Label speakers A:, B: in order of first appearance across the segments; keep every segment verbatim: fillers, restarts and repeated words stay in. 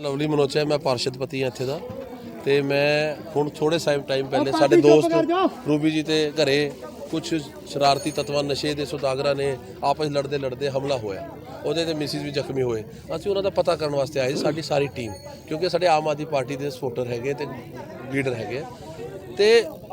A: Lovely ਮਨੋਚਾ है, मैं पार्षद पति हाँ इत्थे दा ते मैं हुण थोड़े टाइम पहले साडे दोस्त रूबी जी ते घरे कुछ शरारती तत्वां नशे दे सौदागरां ने आपस लड़दे लड़दे हमला होया, ਉਹਦੇ ਤੇ ਮਿਸਿਸ ਵੀ ਜ਼ਖਮੀ ਹੋਏ। ਅਸੀਂ ਉਹਨਾਂ ਦਾ ਪਤਾ ਕਰਨ ਵਾਸਤੇ ਆਏ ਸਾਡੀ ਸਾਰੀ ਟੀਮ, ਕਿਉਂਕਿ ਸਾਡੇ ਆਮ ਆਦਮੀ ਪਾਰਟੀ ਦੇ ਸਪੋਰਟਰ ਹੈਗੇ ਤੇ ਲੀਡਰ ਹੈਗੇ ਤੇ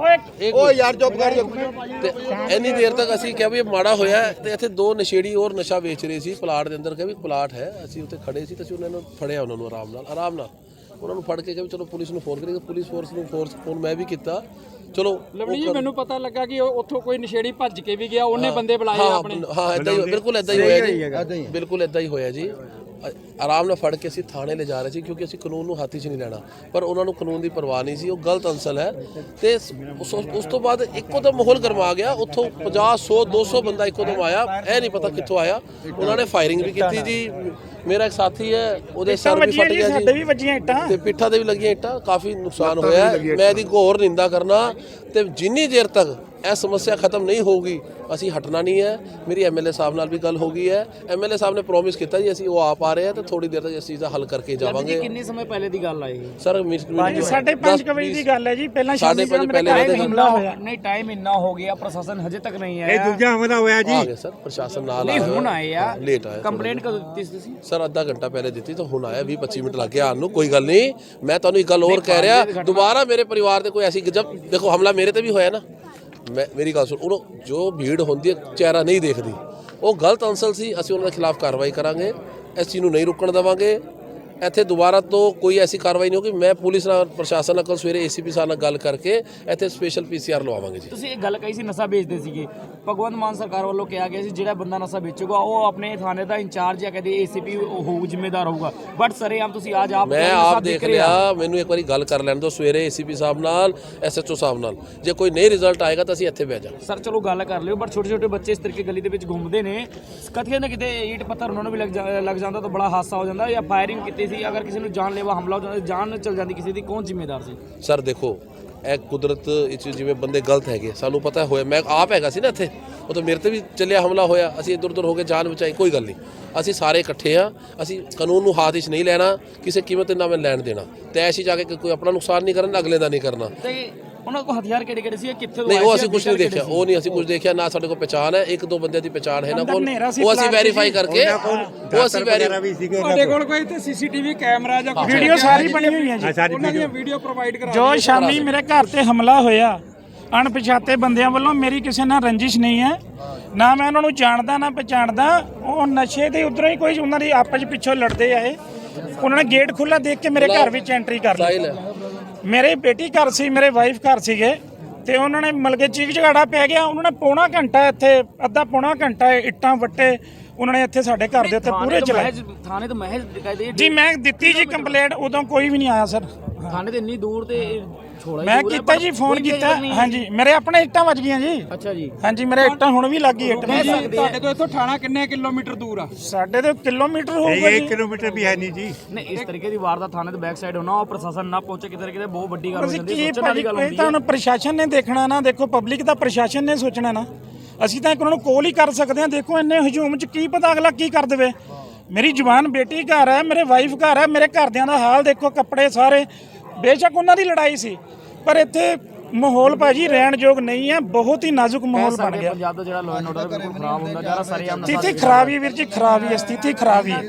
A: ਉਹ ਯਾਰ ਚੁੱਪ ਕਰ ਤੇ ਇੰਨੀ ਦੇਰ ਤੱਕ ਅਸੀਂ ਕਿਹਾ ਵੀ ਇਹ ਮਾੜਾ ਹੋਇਆ ਤੇ ਇੱਥੇ ਦੋ ਨਸ਼ੇੜੀ ਹੋਰ ਨਸ਼ਾ ਵੇਚ ਰਹੇ ਸੀ ਪਲਾਟ ਦੇ ਅੰਦਰ। ਕਿਹਾ ਵੀ ਪਲਾਟ ਹੈ, ਅਸੀਂ ਉੱਥੇ ਖੜੇ ਸੀ ਤੇ ਅਸੀਂ ਉਹਨਾਂ ਨੂੰ ਫੜਿਆ, ਉਹਨਾਂ ਨੂੰ ਆਰਾਮ ਨਾਲ ਆਰਾਮ ਨਾਲ ਉਹਨਾਂ ਨੂੰ ਫੜ ਕੇ ਕਿਹਾ ਵੀ ਚਲੋ ਪੁਲਿਸ ਨੂੰ ਫੋਨ ਕਰੀਏ। ਪੁਲਿਸ ਫੋਰਸ ਨੂੰ ਫੋਰਸ ਫੋਨ ਮੈਂ ਵੀ ਕੀਤਾ। ਚਲੋ
B: ਲਵਲੀ ਜੀ ਮੈਨੂੰ ਪਤਾ ਲੱਗਾ ਕਿ ਉੱਥੋਂ ਕੋਈ ਨਸ਼ੇੜੀ ਭੱਜ ਕੇ ਵੀ ਗਿਆ, ਉਹਨੇ ਬੰਦੇ ਬੁਲਾਏ ਆਪਣੇ।
A: ਹਾਂ ਇਦਾਂ ਹੀ ਬਿਲਕੁਲ ਇਦਾਂ ਹੀ ਹੋਇਆ ਜੀ, ਬਿਲकुल ਇਦਾਂ ਹੀ ਹੋਇਆ ਜੀ। ਆਰਾਮ ਨਾਲ ਫੜ ਕੇ ਅਸੀਂ ਥਾਣੇ ਲੈ ਜਾ ਰਹੇ ਸੀ ਕਿਉਂਕਿ ਅਸੀਂ ਕਾਨੂੰਨ ਨੂੰ ਹੱਥ 'ਚ ਨਹੀਂ ਲੈਣਾ, ਪਰ ਉਹਨਾਂ ਨੂੰ ਕਾਨੂੰਨ ਦੀ ਪਰਵਾਹ ਨਹੀਂ ਸੀ। ਉਹ ਗਲਤ ਅੰਸਲ ਹੈ ਤੇ ਉਸ ਉਸ ਤੋਂ ਬਾਅਦ ਇੱਕੋ ਦਮ ਮਾਹੌਲ ਗਰਮਾ ਗਿਆ। ਉੱਥੋਂ ਪੰਜਾਹ ਸੌ ਦੋ ਸੌ ਬੰਦਾ ਇੱਕੋ ਦਮ ਆਇਆ, ਇਹ ਨਹੀਂ ਪਤਾ ਕਿੱਥੋਂ ਆਇਆ। ਉਹਨਾਂ ਨੇ ਫਾਇਰਿੰਗ ਵੀ ਕੀਤੀ ਜੀ। ਮੇਰਾ ਇੱਕ ਸਾਥੀ ਹੈ, ਉਹਦੇ ਸਿਰ ਵੀ ਫਟ ਗਿਆ ਜੀ ਤੇ ਪਿੱਠਾਂ ਤੇ ਵੀ ਲੱਗੀਆਂ ਇੱਟਾਂ, ਕਾਫੀ ਨੁਕਸਾਨ ਹੋਇਆ। ਮੈਂ ਇਹਦੀ ਘੋਰ ਨਿੰਦਾ ਕਰਨਾ ਤੇ ਜਿੰਨੀ ਦੇਰ ਤੱਕ ਇਹ ਸਮੱਸਿਆ ਖਤਮ ਨਹੀਂ ਹੋਊਗੀ ਅਸੀਂ ਹਟਣਾ ਨਹੀਂ ਹੈ। ਮੇਰੀ ਐਮਐਲਏ ਸਾਹਿਬ ਨਾਲ ਵੀ ਗੱਲ ਹੋ ਗਈ ਹੈ। ਐਮਐਲਏ ਸਾਹਿਬ ਨੇ ਪ੍ਰੋਮਿਸ ਕੀਤਾ ਜੀ ਅਸੀਂ ਉਹ ਆਪ ਆ ਰਹੇ ਆ ਤੇ ਥੋੜੀ ਦੇਰ ਤੱਕ ਇਸ ਚੀਜ਼ ਦਾ ਹੱਲ ਕਰਕੇ ਜਾਵਾਂਗੇ।
B: ਕਿੰਨੇ ਸਮੇਂ ਪਹਿਲੇ ਦੀ ਗੱਲ ਆਈ
A: ਸਰ?
C: ਸਾਢੇ ਪੰਜ ਵਜੇ ਦੀ ਗੱਲ ਹੈ ਜੀ। ਪਹਿਲਾਂ
A: ਸਾਢੇ ਪੰਜ ਪਹਿਲੇ
B: ਹਮਲਾ ਹੋਇਆ। ਨਹੀਂ ਟਾਈਮ ਇੰਨਾ ਹੋ ਗਿਆ, ਪ੍ਰਸ਼ਾਸਨ ਹਜੇ ਤੱਕ ਨਹੀਂ ਆਇਆ।
C: ਇਹ ਦੂਜਾ ਹਮਲਾ ਹੋਇਆ ਜੀ।
A: ਆ ਗਏ ਸਰ, ਪ੍ਰਸ਼ਾਸਨ ਨਾਲ
B: ਨਹੀਂ ਹੁਣ ਆਏ ਆ,
A: ਲੇਟ ਆਇਆ।
B: ਕੰਪਲੇਂਟ ਕਦੋਂ ਦਿੱਤੀ ਸੀ ਤੁਸੀਂ?
A: ਸਰ ਅੱਧਾ ਘੰਟਾ ਪਹਿਲੇ ਦਿੱਤੀ ਤਾਂ ਹੁਣ ਆਇਆ, ਵੀਹ ਪੱਚੀ ਮਿੰਟ ਲੱਗ ਗਿਆ ਆਉਣ ਨੂੰ। ਕੋਈ ਗੱਲ ਨਹੀਂ, ਮੈਂ ਤੁਹਾਨੂੰ ਇੱਕ ਗੱਲ ਹੋਰ ਕਹਿ ਰਿਹਾ, ਦੁਬਾਰਾ ਮੇਰੇ ਪਰਿਵਾਰ ਤੇ ਕੋਈ ਐਸੀ ਜਬ ਦੇਖੋ ਹਮਲਾ ਮੇਰੇ ਤੇ ਵੀ ਹੋਇਆ ਨਾ, ਮੈਂ ਮੇਰੀ ਗੱਲ ਸੁਣ, ਉਹ ਜੋ ਭੀੜ ਹੁੰਦੀ ਹੈ ਚਿਹਰਾ ਨਹੀਂ ਦੇਖਦੀ, ਉਹ ਗਲਤ ਅੰਸਲ ਸੀ। ਅਸੀਂ ਉਹਨਾਂ ਦੇ ਖਿਲਾਫ ਕਾਰਵਾਈ ਕਰਾਂਗੇ, ਇਸ ਚੀਜ਼ ਨੂੰ ਨਹੀਂ ਰੁਕਣ ਦੇਵਾਂਗੇ। ਇੱਥੇ ਦੁਬਾਰਾ ਤੋਂ ਕੋਈ ਐਸੀ ਕਾਰਵਾਈ ਨਹੀਂ ਹੋਗੀ। ਮੈਂ ਪੁਲਿਸ ਨਾਲ ਪ੍ਰਸ਼ਾਸਨ ਨਾਲ ਕੱਲ ਸਵੇਰੇ ਏਸੀਪੀ ਸਾਹਿਬ ਨਾਲ ਗੱਲ ਕਰਕੇ ਇੱਥੇ ਸਪੈਸ਼ਲ ਪੀਸੀਆਰ ਲਵਾਵਾਂਗੇ ਜੀ।
B: ਤੁਸੀਂ ਇਹ ਗੱਲ ਕਹੀ ਸੀ ਨਸ਼ਾ ਵੇਚਦੇ ਸੀਗੇ, ਭਗਵੰਤ ਮਾਨ ਸਰਕਾਰ ਵੱਲੋਂ ਕਿਹਾ ਗਿਆ ਸੀ ਜਿਹੜਾ ਬੰਦਾ ਨਸ਼ਾ ਵੇਚੂਗਾ ਉਹ ਆਪਣੇ ਥਾਣੇ ਦਾ ਇੰਚਾਰਜ ਜਾਂ ਕਦੇ ਏਸੀਪੀ ਹੋਊ, ਜ਼ਿੰਮੇਦਾਰ ਹੋਊਗਾ। ਬਟ ਸਰੇਆਮ ਤੁਸੀਂ ਅੱਜ ਆਪ
A: ਮੈਂ ਆਪ ਦੇਖ ਲਿਆ, ਮੈਨੂੰ ਇੱਕ ਵਾਰੀ ਗੱਲ ਕਰ ਲੈਣ ਦਿਓ ਸਵੇਰੇ ਏਸੀਪੀ ਸਾਹਿਬ ਨਾਲ, ਐਸਐਚਓ ਸਾਹਿਬ ਨਾਲ। ਜੇ ਕੋਈ ਨਹੀਂ ਰਿਜ਼ਲਟ ਆਏਗਾ ਤਾਂ ਅਸੀਂ ਇੱਥੇ ਬਹਿ ਜਾਵਾਂਗੇ।
B: ਸਰ ਚਲੋ ਗੱਲ ਕਰ ਲਿਓ, ਬਟ ਛੋਟੇ ਛੋਟੇ ਬੱਚੇ ਇਸ ਤਰੀਕੇ ਗਲੀ ਦੇ ਵਿੱਚ ਘੁੰਮਦੇ ਨੇ, ਕਿਤੇ ਨਾ ਕਿਤੇ ਈਟ ਪੱਥਰ ਉਹਨਾਂ ਨੂੰ ਵੀ ਲੱਗ ਜਾਂਦਾ ਤਾਂ ਬੜਾ ਹਾਦਸਾ ਹੋ ਜਾਂਦਾ। ਜਾਂ ਫਾਇਰਿੰਗ ਕੀਤੀ ਸੀ, ਅਗਰ ਕਿਸੇ ਨੂੰ ਜਾਨਲੇਵਾ ਹਮਲਾ ਹੋ ਜਾਂਦਾ, ਜਾਨ ਚਲ ਜਾਂਦੀ ਕਿਸੇ ਦੀ, ਕੌਣ ਜ਼ਿੰਮੇਦਾਰ ਸੀ?
A: ਸਰ ਦੇਖੋ ਇਹ ਕੁਦਰਤ ਵਿੱਚ ਜਿਵੇਂ ਬੰਦੇ ਗਲਤ ਹੈਗੇ, ਸਾਨੂੰ ਪਤਾ ਹੋਇਆ। ਮੈਂ ਆਪ ਹੈਗਾ ਸੀ ਨਾ ਇੱਥੇ, ਉਹ ਤਾਂ ਮੇਰੇ ਤੇ ਵੀ ਚੱਲਿਆ ਹਮਲਾ ਹੋਇਆ, ਅਸੀਂ ਇੱਧਰ ਉੱਧਰ ਹੋ ਕੇ ਜਾਨ ਬਚਾਈ। ਕੋਈ ਗੱਲ ਨਹੀਂ, ਅਸੀਂ ਸਾਰੇ ਇਕੱਠੇ ਆ। ਅਸੀਂ ਕਾਨੂੰਨ ਨੂੰ ਹੱਥ ਵਿੱਚ ਨਹੀਂ ਲੈਣਾ, ਕਿਸੇ ਕੀਮਤ ਨਾਲ ਮੈਂ ਲੈਣ ਦੇਣਾ ਤੇ ਐਸੀ ਜਾ ਕੇ ਕੋਈ ਆਪਣਾ ਨੁਕਸਾਨ ਨਹੀਂ ਕਰਨਾ, ਅਗਲੇ ਦਾ ਨਹੀਂ ਕਰਨਾ।
B: ਤੇ ਉਹਨਾਂ ਕੋਲ ਹਥਿਆਰ ਕਿਹੜੇ ਕਿਹੜੇ ਸੀ, ਕਿੱਥੇ
A: ਨਹੀਂ ਉਹ ਅਸੀਂ ਕੁਝ ਨਹੀਂ ਦੇਖਿਆ, ਉਹ ਨਹੀਂ ਅਸੀਂ ਕੁਝ ਦੇਖਿਆ ਨਾ। ਸਾਡੇ ਕੋਲ ਪਛਾਣ ਹੈ, ਇੱਕ ਦੋ ਬੰਦਿਆਂ ਦੀ ਪਛਾਣ ਹੈ ਨਾ ਕੋਲ, ਉਹ ਅਸੀਂ ਵੈਰੀਫਾਈ ਕਰਕੇ ਉਹ ਅਸੀਂ ਵੈਰੀਫਾਈ।
B: ਤੁਹਾਡੇ ਕੋਲ ਕੋਈ ਤੇ ਸੀਸੀਟੀਵੀ ਕੈਮਰਾ ਜਾਂ
C: ਵੀਡੀਓ ਸਾਰੀ ਬਣੀ ਹੋਈ ਹੈ ਜੀ,
B: ਉਹਨਾਂ ਦੀਆਂ ਵੀਡੀਓ ਪ੍ਰੋਵਾਈਡ ਕਰਾ
C: ਜੋ ਸ਼ਾਮੀ ਮੇਰੇ ਘਰ ਤੇ ਹਮਲਾ ਹੋਇਆ ਅਣਪਛਾਤੇ ਬੰਦਿਆਂ ਵੱਲੋਂ। ਮੇਰੀ ਕਿਸੇ ਨਾਲ ਰੰਜਿਸ਼ ਨਹੀਂ ਹੈ, ਨਾ ਮੈਂ ਉਹਨਾਂ ਨੂੰ ਜਾਣਦਾ ਨਾ ਪਛਾਣਦਾ। ਉਹ ਨਸ਼ੇ ਦੇ ਉਧਰੋਂ ਹੀ ਕੋਈ ਉਹਨਾਂ ਦੀ ਆਪਸ ਪਿੱਛੋਂ ਲੜਦੇ ਆਏ। ਉਹਨਾਂ ਨੇ ਗੇਟ ਖੁੱਲਾ ਦੇਖ ਕੇ ਮੇਰੇ ਘਰ ਵਿੱਚ ਐਂਟਰੀ ਕਰ ਲਈ। ਮੇਰੇ ਬੇਟੀ ਘਰ ਸੀ, ਮੇਰੇ ਵਾਈਫ ਘਰ ਸੀਗੇ ਤੇ ਉਹਨਾਂ ਨੇ ਮਲਕੇ ਚੀਕ ਝਗੜਾ ਪੈ ਗਿਆ। ਉਹਨਾਂ ਨੇ ਪੌਣਾ ਘੰਟਾ ਇੱਥੇ, ਅੱਧਾ ਪੌਣਾ ਘੰਟਾ ਇੱਟਾਂ ਵੱਟੇ ਉਹਨਾਂ ਨੇ ਇੱਥੇ ਸਾਡੇ ਘਰ ਦੇ ਉੱਤੇ ਪੂਰੇ ਚਲਾਏ।
B: ਥਾਣੇ ਤੋਂ ਮਹਿਜ ਦਿਖਾਈ
C: ਜੀ ਮੈਂ ਦਿੱਤੀ ਜੀ ਕੰਪਲੇਂਟ, ਉਦੋਂ ਕੋਈ ਵੀ ਨਹੀਂ ਆਇਆ ਸਰ।
B: ਥਾਣੇ ਤੇ ਇੰਨੀ ਦੂਰ ਤੇ
C: ਮੈਂ ਕੀਤਾ ਜੀ, ਫੋਨ ਕੀਤਾ। ਹਾਂਜੀ ਮੇਰੇ ਆਪਣੇ ਇੱਟਾਂ ਵੱਜ ਗਈਆਂ ਜੀ।
B: ਅੱਛਾ ਜੀ।
C: ਹਾਂਜੀ ਮੇਰੇ ਇੱਟਾਂ ਹੁਣ ਵੀ ਲੱਗੀ ਇੱਟ।
B: ਤੁਹਾਡੇ ਤੋਂ ਇੱਥੋਂ ਥਾਣਾ ਕਿੰਨੇ ਕਿਲੋਮੀਟਰ ਦੂਰ ਆ?
C: ਸਾਡੇ ਤੋਂ ਕਿਲੋਮੀਟਰ ਹੋਊਗਾ ਜੀ।
D: ਇੱਕ ਕਿਲੋਮੀਟਰ ਵੀ ਹੈ ਨਹੀਂ ਜੀ।
B: ਨਹੀਂ ਇਸ ਤਰੀਕੇ ਦੀ ਵਾਰਦਾਤ ਥਾਣੇ ਦੇ ਬੈਕ ਸਾਈਡ ਹੋਣਾ, ਉਹ ਪ੍ਰਸ਼ਾਸਨ ਨਾ ਪਹੁੰਚੇ ਕਿਤੇ ਕਿਤੇ ਬਹੁਤ ਵੱਡੀ ਗੱਲ ਹੋ ਜਾਂਦੀ ਹੈ।
C: ਸੋਚਣ ਵਾਲੀ ਗੱਲ ਹੁੰਦੀ ਹੈ। ਤਾਂ ਪ੍ਰਸ਼ਾਸਨ ਨੇ ਦੇਖਣਾ ਨਾ, ਦੇਖੋ ਪਬਲਿਕ ਦਾ ਪ੍ਰਸ਼ਾਸਨ ਨੇ ਸੋਚਣਾ ਨਾ। ਅਸੀਂ ਤਾਂ ਇੱਕ ਉਹਨਾਂ ਨੂੰ ਕੋਲ ਹੀ ਕਰ ਸਕਦੇ ਹਾਂ। ਦੇਖੋ ਇੰਨੇ ਹਜੂਮ 'ਚ ਕੀ ਪਤਾ ਅਗਲਾ ਕੀ ਕਰ ਦੇਵੇ। ਮੇਰੀ ਜਵਾਨ ਬੇਟੀ ਘਰ ਹੈ, ਮੇਰੇ ਵਾਈਫ ਘਰ ਹੈ, ਮੇਰੇ ਘਰਦਿਆਂ ਦਾ ਹਾਲ ਦੇਖੋ, ਕੱਪੜੇ ਸਾਰੇ। ਬੇਸ਼ੱਕ ਉਹਨਾਂ ਦੀ ਲੜਾਈ ਸੀ, ਪਰ ਇੱਥੇ ਮਾਹੌਲ ਭਾਜੀ ਰਹਿਣ ਯੋਗ ਨਹੀਂ ਹੈ। ਬਹੁਤ ਹੀ ਨਾਜ਼ੁਕ ਮਾਹੌਲ ਬਣ ਗਿਆ।
B: ਪੰਜਾਬ ਦਾ ਜਿਹੜਾ ਲਾਅ ਐਂਡ ਆਰਡਰ ਬਿਲਕੁਲ ਖਰਾਬ ਹੁੰਦਾ ਜਾ ਰਿਹਾ। ਸਰੇਆਮ
C: ਸਥਿਤੀ ਖਰਾਬ ਹੀ ਵੀਰ ਜੀ, ਖਰਾਬ ਹੀ ਸਥਿਤੀ ਖਰਾਬ ਹੀ।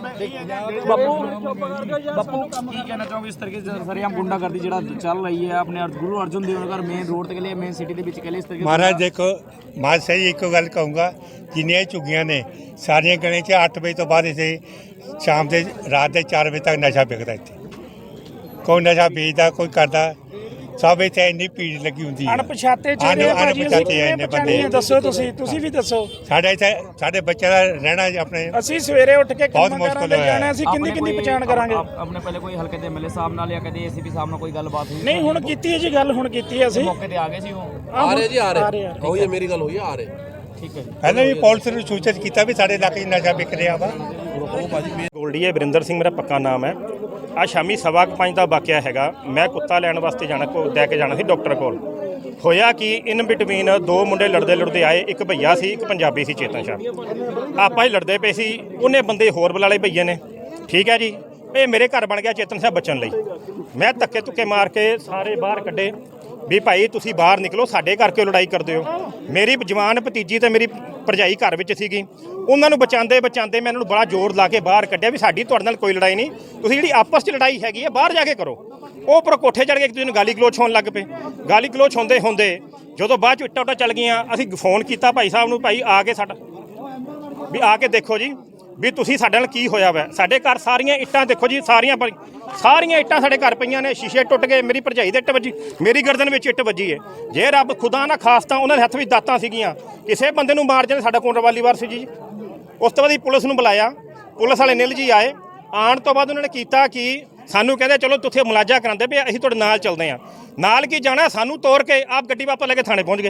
B: ਬਾਪੂ ਬਾਪੂ ਕੀ ਕਹਿਣਾ ਚਾਹੋਗੇ ਇਸ ਤਰੀਕੇ से ਸਰੇਆਮ ਗੁੰਡਾਗਰਦੀ ਜਿਹੜਾ ਚੱਲ ਰਹੀ ਹੈ ਆਪਣੇ ਗੁਰੂ ਅਰਜਨ ਦੇਵ ਨਗਰ ਮੇਨ ਰੋਡ ਤੇ ਕੇ ਲਈ, ਮੇਨ ਸਿਟੀ ਦੇ ਵਿੱਚ ਕੇ ਲਈ ਇਸ ਤਰੀਕੇ?
D: ਮਹਾਰਾਜ ਦੇਖੋ, ਮੈਂ ਸਹੀ ਇੱਕੋ ਗੱਲ ਕਹੂੰਗਾ, ਜਿੰਨੀਆਂ ਝੁੱਗੀਆਂ ਨੇ ਸਾਰੀਆਂ ਗਣੇ 'ਚ ਅੱਠ ਵਜੇ ਤੋਂ ਬਾਅਦ ਇੱਥੇ ਸ਼ਾਮ ਦੇ ਰਾਤ ਦੇ ਚਾਰ ਵਜੇ ਤੱਕ ਨਸ਼ਾ ਵਿਕਦਾ। ਇੱਥੇ ਕੋਈ ਨਸ਼ਾ ਵੇਚਦਾ, ਕੋਈ ਕਰਦਾ, ਸਭ ਇੱਥੇ ਇੰਨੀ ਭੀੜ ਲੱਗੀ ਹੁੰਦੀ ਹੈ।
C: ਅਣਪਛਾਤੇ ਚਿਹਰੇ
D: ਅਣਪਛਾਤੇ ਇੰਨੇ ਬੰਦੇ।
C: ਦੱਸੋ ਤੁਸੀਂ ਤੁਸੀਂ ਵੀ ਦੱਸੋ।
D: ਸਾਡੇ ਇੱਥੇ ਸਾਡੇ ਬੱਚਿਆਂ ਦਾ ਰਹਿਣਾ ਆਪਣੇ
C: ਅਸੀਂ ਸਵੇਰੇ ਉੱਠ ਕੇ
D: ਬਹੁਤ ਮੁਸ਼ਕਲ ਹੋਇਆ
C: ਜਾਣਾ, ਅਸੀਂ ਕਿੰਨੀ ਕਿੰਨੀ ਪਛਾਣ ਕਰਾਂਗੇ?
B: ਆਪਣੇ ਪਹਿਲੇ ਕੋਈ ਹਲਕੇ ਦੇ ਐਮਐਲਏ ਸਾਹਿਬ ਨਾਲ ਜਾਂ ਕਦੇ ਏਸੀਪੀ ਸਾਹਿਬ ਨਾਲ ਕੋਈ ਗੱਲਬਾਤ ਹੋਈ?
C: ਨਹੀਂ ਹੁਣ ਕੀਤੀ ਹੈ ਜੀ ਗੱਲ, ਹੁਣ ਕੀਤੀ ਹੈ ਅਸੀਂ।
B: ਮੌਕੇ ਤੇ ਆ ਗਏ ਸੀ ਉਹ?
A: ਆ ਰਹੇ ਜੀ, ਆ ਰਹੇ ਹੋਈ ਹੈ, ਮੇਰੀ ਗੱਲ ਹੋਈ ਹੈ, ਆ ਰਹੇ।
B: ਠੀਕ ਹੈ ਜੀ।
D: ਪਹਿਲਾਂ ਵੀ ਪੁਲਿਸ ਨੂੰ ਸੂਚਿਤ ਕੀਤਾ ਵੀ ਸਾਡੇ ਇਲਾਕੇ 'ਚ ਨਸ਼ਾ ਵਿਕ ਰਿਹਾ ਵਾ।
E: ਗੋਲਡੀ ਹੈ, ਵਰਿੰਦਰ ਸਿੰਘ ਮੇਰਾ ਪੱਕਾ ਨਾਮ ਹੈ। ਆ ਸ਼ਾਮੀ ਸਵਾ ਕੁ ਪੰਜ ਦਾ ਵਾਕਿਆ ਹੈਗਾ। ਮੈਂ ਕੁੱਤਾ ਲੈਣ ਵਾਸਤੇ ਜਾਣਾ, ਕੋ ਲੈ ਕੇ ਜਾਣਾ ਸੀ ਡਾਕਟਰ ਕੋਲ। ਹੋਇਆ ਕਿ ਇਨ ਬਿਟਵੀਨ ਦੋ ਮੁੰਡੇ ਲੜਦੇ ਲੜਦੇ ਆਏ। ਇੱਕ ਭਈਆ ਸੀ, ਇੱਕ ਪੰਜਾਬੀ ਸੀ, ਚੇਤਨ ਸ਼ਾਹ। ਆਪਾਂ ਹੀ ਲੜਦੇ ਪਏ ਸੀ, ਉਹਨੇ ਬੰਦੇ ਹੋਰ ਬੁਲਾ ਲਏ ਭਈਏ ਨੇ। ਠੀਕ ਹੈ ਜੀ। ਇਹ ਮੇਰੇ ਘਰ ਬਣ ਗਿਆ ਚੇਤਨ ਸਾਹਿਬ ਬਚਣ ਲਈ। ਮੈਂ ਧੱਕੇ ਧੁੱਕੇ ਮਾਰ ਕੇ ਸਾਰੇ ਬਾਹਰ ਕੱਢੇ ਵੀ ਭਾਈ ਤੁਸੀਂ ਬਾਹਰ ਨਿਕਲੋ, ਸਾਡੇ ਘਰ ਕਿਉਂ ਲੜਾਈ ਕਰਦੇ ਹੋ। ਮੇਰੀ ਜਵਾਨ ਭਤੀਜੀ ਤੇ ਮੇਰੀ ਭਰਜਾਈ ਘਰ ਵਿੱਚ ਸੀਗੀ, ਉਹਨਾਂ ਨੂੰ ਬਚਾਉਂਦੇ ਬਚਾਉਂਦੇ ਮੈਂ ਇਹਨਾਂ ਨੂੰ ਬੜਾ ਜ਼ੋਰ ਲਾ ਕੇ ਬਾਹਰ ਕੱਢਿਆ ਵੀ ਸਾਡੀ ਤੁਹਾਡੇ ਨਾਲ ਕੋਈ ਲੜਾਈ ਨਹੀਂ, ਤੁਸੀਂ ਜਿਹੜੀ ਆਪਸ 'ਚ ਲੜਾਈ ਹੈਗੀ ਹੈ ਬਾਹਰ ਜਾ ਕੇ ਕਰੋ। ਉਹ ਉੱਪਰੋਂ ਕੋਠੇ ਚੜ੍ਹ ਕੇ ਇੱਕ ਦੂਜੇ ਨੂੰ ਗਾਲੀ ਗਲੋਚ ਹੋਣ ਲੱਗ ਪਏ। ਗਾਲੀ ਗਲੋਚ ਹੁੰਦੇ ਹੁੰਦੇ ਜਦੋਂ ਬਾਅਦ 'ਚ ਇੱਟਾਂ ਉੱਟਾਂ ਚੱਲ ਗਈਆਂ, ਅਸੀਂ ਫੋਨ ਕੀਤਾ ਭਾਈ ਸਾਹਿਬ ਨੂੰ, ਭਾਈ ਆ ਕੇ ਸਾਡਾ ਵੀ ਆ ਕੇ ਦੇਖੋ ਜੀ ਵੀ ਤੁਸੀਂ ਸਾਡੇ ਨਾਲ ਕੀ ਹੋਇਆ ਵਾ। ਸਾਡੇ ਘਰ ਸਾਰੀਆਂ ਇੱਟਾਂ ਦੇਖੋ ਜੀ, ਸਾਰੀਆਂ ਸਾਰੀਆਂ ਇੱਟਾਂ ਸਾਡੇ ਘਰ ਪਈਆਂ ਨੇ, ਸ਼ੀਸ਼ੇ ਟੁੱਟ ਗਏ, ਮੇਰੀ ਭਰਜਾਈ ਦੇ ਇੱਟ ਵੱਜੀ, ਮੇਰੀ ਗਰਦਨ ਵਿੱਚ ਇੱਟ ਵੱਜੀ ਹੈ। ਜੇ ਰੱਬ ਖੁਦਾ ਨਾ ਖਾਸਤਾ ਉਹਨਾਂ ਦੇ ਹੱਥ ਵਿੱਚ ਦਾਤਾਂ ਸੀਗੀਆਂ, ਕਿਸੇ ਬੰਦੇ ਨੂੰ ਮਾਰ ਜਾਂਦੇ। ਸਾਡਾ ਕੋਲ ਰਵਾਲੀਵਾਰ ਸੀ ਜੀ। ਉਸ ਤੋਂ ਬਾਅਦ ਹੀ ਪੁਲਿਸ ਨੂੰ ਬੁਲਾਇਆ, ਪੁਲਿਸ ਵਾਲੇ ਨਿਲ ਜੀ ਆਏ। ਆਉਣ ਤੋਂ ਬਾਅਦ ਉਹਨਾਂ ਨੇ ਕੀਤਾ ਕਿ ਸਾਨੂੰ ਕਹਿੰਦੇ ਚਲੋ ਤੁਸੀਂ ਮੁਲਾਜ਼ਾ ਕਰਾਉਂਦੇ ਪਏ, ਅਸੀਂ ਤੁਹਾਡੇ ਨਾਲ ਚੱਲਦੇ ਹਾਂ। ਨਾਲ ਕੀ ਜਾਣਾ, ਸਾਨੂੰ ਤੋੜ ਕੇ ਆਪ ਗੱਡੀ ਵਾਪਸ ਲੈ ਕੇ ਥਾਣੇ ਪਹੁੰਚ ਗਏ।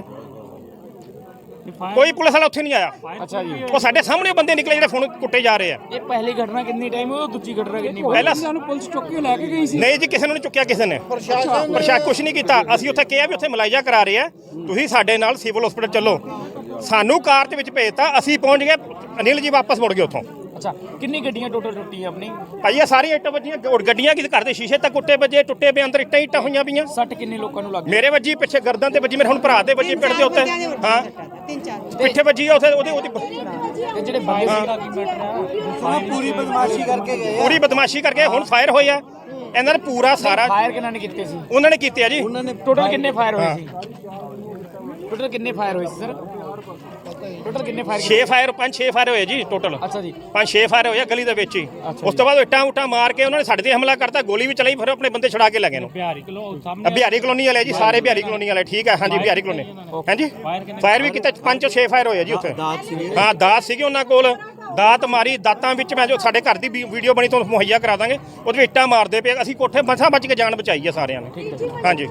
E: ਕੋਈ ਪੁਲਿਸ ਵਾਲਾ ਉੱਥੇ ਨਹੀਂ ਆਇਆ।
B: ਅੱਛਾ ਜੀ,
E: ਉਹ ਸਾਡੇ ਸਾਹਮਣੇ ਬੰਦੇ ਨਿਕਲੇ ਜਿਹੜੇ ਫੋਨ ਕੁੱਟੇ ਜਾ ਰਹੇ ਆ।
B: ਇਹ ਪਹਿਲੀ ਘਟਨਾ ਕਿੰਨੀ ਟਾਈਮ ਹੋਈ, ਦੂਜੀ ਘਟਨਾ ਕਿੰਨੀ
E: ਪਹਿਲਾਂ
B: ਸਾਨੂੰ ਪੁਲਿਸ ਚੁੱਕ ਕੇ ਲੈ ਕੇ ਗਈ ਸੀ?
E: ਨਹੀਂ ਜੀ, ਕਿਸੇ ਨੂੰ ਨਹੀਂ ਚੁੱਕਿਆ, ਕਿਸੇ ਨੇ ਪ੍ਰਸ਼ਾਸਨ ਕੁਝ ਨਹੀਂ ਕੀਤਾ। ਅਸੀਂ ਉੱਥੇ ਕਿਹਾ ਵੀ ਉੱਥੇ ਮੁਲਾਜ਼ਾ ਕਰਾ ਰਹੇ ਆ, ਤੁਸੀਂ ਸਾਡੇ ਨਾਲ ਸਿਵਲ ਹਸਪੀਟਲ ਚੱਲੋ। ਸਾਨੂੰ ਕਾਰ ਦੇ ਵਿੱਚ ਭੇਜਤਾ, ਅਸੀਂ ਪਹੁੰਚ ਗਏ, ਅਨਿਲ ਜੀ ਵਾਪਸ ਮੁੜ ਗਏ ਉੱਥੋਂ।
B: ਅੱਛਾ, ਕਿੰਨੀ ਗੱਡੀਆਂ ਟੋਟਲ ਟੁੱਟੀਆਂ ਆਪਣੀ?
E: ਭਾਈ ਇਹ ਸਾਰੀਆਂ ਇੱਟਾਂ ਵੱਜੀਆਂ, ਗੱਡੀਆਂ ਕਿਸੇ ਘਰ ਦੇ ਸ਼ੀਸ਼ੇ ਤੱਕ ਕੁੱਟੇ ਵੱਜੇ, ਟੁੱਟੇ ਪਏ, ਅੰਦਰ ਇੱਟਾਂ ਇੱਟਾਂ ਹੋਈਆਂ ਪਈਆਂ।
B: ਸੱਟ ਕਿੰਨੇ ਲੋਕਾਂ ਨੂੰ ਲੱਗੀ?
E: ਮੇਰੇ ਵੱਜੀ, ਪਿੱਛੇ ਗਰਦਨ ਤੇ ਵੱਜੀ, ਮੇਰੇ ਹੁਣ ਭਰਾ ਦੇ ਵੱਜੀ ਪਿੰਡ ਦੇ ਉੱਤੇ। ਹਾਂ, ਪਿੱਛੇ ਵੱਜੀ ਉੱਥੇ ਉਹਦੇ ਉਹਦੀ
B: ਤੇ ਜਿਹੜੇ ਬੰਦੇ ਸੀਗਾ ਕੀ ਮੈਟਰ
F: ਪੂਰੀ ਬਦਮਾਸ਼ੀ ਕਰਕੇ ਗਏ
E: ਪੂਰੀ ਬਦਮਾਸ਼ੀ ਕਰਕੇ ਹੁਣ ਫਾਇਰ ਹੋਇਆ। ਇਹਨਾਂ ਨੇ ਪੂਰਾ ਸਾਰਾ
B: ਫਾਇਰ ਕਿਹਨਾਂ ਨੇ ਕੀਤੇ ਸੀ?
E: ਉਹਨਾਂ ਨੇ ਕੀਤੇ ਆ ਜੀ।
B: ਟੋਟਲ ਕਿੰਨੇ ਫਾਇਰ ਹੋਏ ਸੀ? ਟੋਟਲ ਕਿੰਨੇ ਫਾਇਰ ਹੋਏ ਸੀ ਸਰ? ਟੋਟਲ ਕਿੰਨੇ ਫਾਇਰ?
E: ਛੇ ਫਾਇਰ, ਪੰਜ ਛੇ ਫਾਇਰ ਹੋਏ ਜੀ ਟੋਟਲ।
B: ਅੱਛਾ ਜੀ,
E: ਪੰਜ ਛੇ ਫਾਇਰ ਹੋਏ ਗਲੀ ਦੇ ਵਿੱਚ ਹੀ। ਉਸ ਤੋਂ ਬਾਅਦ ਇੱਟਾਂ ਉੱਟਾਂ ਮਾਰ ਕੇ ਉਹਨਾਂ ਨੇ ਸਾਡੇ ਤੇ ਹਮਲਾ ਕਰਤਾ, ਗੋਲੀ ਵੀ ਚਲਾਈ, ਫਿਰ ਆਪਣੇ ਬੰਦੇ ਛੁਡਾ ਕੇ ਲੈ ਗਏ ਨੂੰ।
B: ਬਿਹਾਰੀ ਕਲੋ ਸਾਹਮਣੇ
E: ਬਿਹਾਰੀ ਕਲੋਨੀ ਵਾਲੇ ਜੀ, ਸਾਰੇ ਬਿਹਾਰੀ ਕਲੋਨੀ ਵਾਲੇ। ਠੀਕ ਹੈ, ਹਾਂਜੀ ਬਿਹਾਰੀ ਕਲੋਨੀ। ਹਾਂਜੀ, ਫਾਇਰ ਵੀ ਕੀਤਾ, ਪੰਜ ਤੋਂ ਛੇ ਫਾਇਰ ਹੋਏ ਜੀ ਉੱਥੇ। ਹਾਂ, ਦਾਤ ਸੀਗੇ ਉਹਨਾਂ ਕੋਲ, ਦਾਤ ਮਾਰੀ। ਦਾਤਾਂ ਵਿੱਚ ਮੈਂ ਜੋ ਸਾਡੇ ਘਰ ਦੀ ਵੀਡੀਓ ਬਣੀ ਤੁਹਾਨੂੰ ਮੁਹੱਈਆ ਕਰਾ ਦਾਂਗੇ, ਉਹਦੇ ਵਿੱਚ ਇੱਟਾਂ ਮਾਰਦੇ ਪਏ। ਅਸੀਂ ਕੋਠੇ ਮਸਾਂ ਬਚ ਕੇ ਜਾਨ ਬਚਾਈ ਹੈ ਸਾਰਿਆਂ ਨੇ। ਹਾਂਜੀ,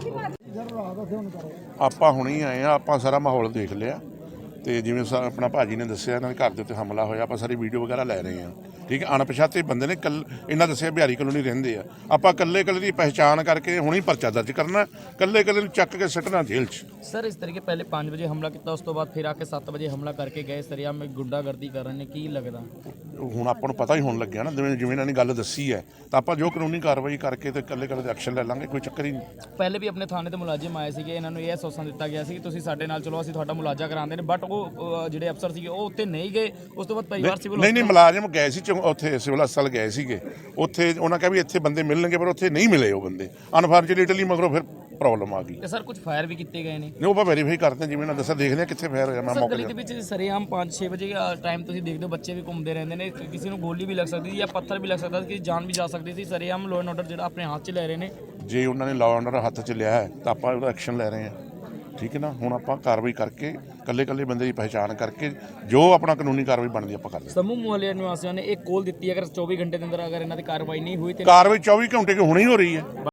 G: ਆਪਾਂ ਹੁਣੇ ਆਏ ਆ, ਆਪਾਂ ਸਾਰਾ ਮਾਹੌਲ ਦੇਖ ਲਿਆ ਤੇ ਜਿਵੇਂ ਆਪਣਾ ਭਾਜੀ ਨੇ ਦੱਸਿਆ ਇਹਨਾਂ ਦੇ ਘਰ ਦੇ ਉੱਤੇ ਹਮਲਾ ਹੋਇਆ, ਆਪਾਂ ਸਾਰੀ ਵੀਡੀਓ ਵਗੈਰਾ ਲੈ ਰਹੇ ਹਾਂ। ਠੀਕ ਹੈ, ਅਣਪਛਾਤੇ ਬੰਦੇ ਨੇ, ਕੱਲ ਇਹਨਾਂ ਦੱਸਿਆ ਬਿਹਾਰੀ ਕਲੋਨੀ ਰਹਿੰਦੇ ਆ। ਆਪਾਂ ਕੱਲੇ ਕੱਲੇ ਦੀ ਪਹਿਚਾਣ ਕਰਕੇ ਹੁਣੇ ਪਰਚਾ ਦਰਜ ਕਰਨਾ, ਕੱਲੇ ਕੱਲੇ ਨੂੰ ਚੱਕ ਕੇ ਸੱਟਣਾ ਜੇਲ੍ਹ 'ਚ।
B: ਸਰ ਇਸ ਤਰੀਕੇ ਪਹਿਲੇ ਪੰਜ ਵਜੇ ਹਮਲਾ ਕੀਤਾ, ਉਸ ਤੋਂ ਬਾਅਦ ਫਿਰ ਆ ਕੇ ਸੱਤ ਵਜੇ ਹਮਲਾ ਕਰਕੇ ਗਏ। ਸਰਿਆਮ ਵਿੱਚ ਗੁੰਡਾਗਰਦੀ ਕਰ ਰਹੇ ਨੇ, ਕੀ ਲੱਗਦਾ?
G: ਹੁਣ ਆਪਾਂ ਨੂੰ ਪਤਾ ਹੀ ਹੋਣ ਲੱਗਿਆ ਨਾ, ਜਿਵੇਂ ਜਿਵੇਂ ਇਹਨਾਂ ਨੇ ਗੱਲ ਦੱਸੀ ਹੈ, ਤਾਂ ਆਪਾਂ ਜੋ ਕਾਨੂੰਨੀ ਕਾਰਵਾਈ ਕਰਕੇ ਤੇ ਕੱਲੇ ਕੱਲੇ ਦੇ ਐਕਸ਼ਨ ਲੈ ਲਾਂਗੇ, ਕੋਈ ਚੱਕਰ ਹੀ ਨਹੀਂ।
B: ਪਹਿਲੇ ਵੀ ਆਪਣੇ ਥਾਣੇ ਤੇ ਮੁਲਾਜ਼ਮ ਆਏ ਸੀਗੇ, ਇਹਨਾਂ ਨੂੰ ਇਹ ਅਸੋਸਾਂ ਦਿੱਤਾ ਗਿਆ ਸੀ ਕਿ ਤੁਸੀਂ ਸਾਡੇ ਨਾਲ ਚਲੋ, ਅਸੀਂ ਤੁਹਾਡਾ ਮੁਲਾਜ਼ਾ ਕਰਾਉਂਦੇ ਨੇ, ਬਟ ਉਹ ਜਿਹੜੇ ਅਫਸਰ ਸੀਗੇ ਉਹ ਉੱਤੇ ਨਹੀਂ ਗਏ। ਉਸ ਤੋਂ ਬਾਅਦ ਪਰਿਵਾਰ ਸਿਵਲ
G: ਨਹੀਂ ਨਹੀਂ ਮੁਲਾਜ਼ਮ ਗਏ ਸੀ, ਉੱਥੇ ਸਿਵਲ ਹਸਪਤਾਲ ਗਏ ਸੀਗੇ। ਉੱਥੇ ਉਹਨਾਂ ਕਿਹਾ ਵੀ ਇੱਥੇ ਬੰਦੇ ਮਿਲਣਗੇ, ਪਰ ਉੱਥੇ ਨਹੀਂ ਮਿਲੇ ਉਹ ਬੰਦੇ। ਅਨਫੋਰਚੂਨੇਟਲੀ ਮਗਰੋਂ ਫਿਰ ਪ੍ਰੋਬਲਮ ਆ ਗਈ।
B: ਤੇ ਸਰ ਕੁਝ ਫਾਇਰ ਵੀ ਕੀਤੇ ਗਏ ਨੇ?
G: ਨਹੀਂ, ਉਹ ਆਪਾਂ ਵੈਰੀਫਾਈ ਕਰਦੇ ਹਾਂ, ਜਿਵੇਂ ਨਾ ਦੱਸਿਆ, ਦੇਖਦੇ ਹਾਂ ਕਿੱਥੇ ਫਾਇਰ ਹੋਇਆ। ਮੈਂ ਮੌਕੇ
B: ਗਲੀ ਦੇ ਵਿੱਚ ਸਰਿਆਮ ਪੰਜ ਛੇ ਵਜੇ ਟਾਈਮ ਤੁਸੀਂ ਦੇਖਦੇ ਹੋ, ਬੱਚੇ ਵੀ ਘੁੰਮਦੇ ਰਹਿੰਦੇ ਨੇ, ਕਿਸੇ ਨੂੰ ਗੋਲੀ ਵੀ ਲੱਗ ਸਕਦੀ ਸੀ ਜਾਂ ਪੱਥਰ ਵੀ ਲੱਗ ਸਕਦਾ ਸੀ, ਕਿਸੇ ਜਾਨ ਵੀ ਜਾ ਸਕਦੀ ਸੀ। ਸਰਿਆਮ ਲਾਅ ਐਂਡ ਆਰਡਰ ਜਿਹੜਾ ਆਪਣੇ ਹੱਥ 'ਚ ਲੈ ਰਹੇ ਨੇ।
G: ਜੇ ਉਹਨਾਂ ਨੇ ਲਾਅ ਐਂਡ ਆਰਡਰ ਹੱਥ 'ਚ ਲਿਆ ਹੈ ਤਾਂ ਆਪਾਂ ਉਹਦਾ ਐਕਸ਼ਨ ਲੈ ਰਹੇ ਹਾਂ। ਠੀਕ ਹੈ ਨਾ, ਹੁਣ ਆਪਾਂ ਕਾਰਵਾਈ ਕਰਕੇ ਕੱਲੇ ਕੱਲੇ ਬੰਦੇ ਦੀ ਪਹਿਚਾਣ ਕਰਕੇ ਜੋ ਆਪਣਾ ਕਾਨੂੰਨੀ ਕਾਰਵਾਈ ਬਣਦੀ ਆਪਾਂ ਕਰਦੇ ਹਾਂ।
B: ਸਮੂਹ ਮੁਹੱਲੇ ਨਿਵਾਸੀਆਂ ਨੇ ਇੱਕ ਕੋਲ ਦਿੱਤੀ, ਅਗਰ ਚੌਵੀ ਘੰਟੇ ਦੇ ਅੰਦਰ ਅਗਰ ਇਹਨਾਂ ਦੀ ਕਾਰਵਾਈ ਨਹੀਂ ਹੋਈ ਤੇ
G: ਕਾਰਵਾਈ ਚੌਵੀ ਘੰਟੇ ਕਿ ਹੁਣੇ ਹੀ ਹੋ ਰਹੀ ਹੈ।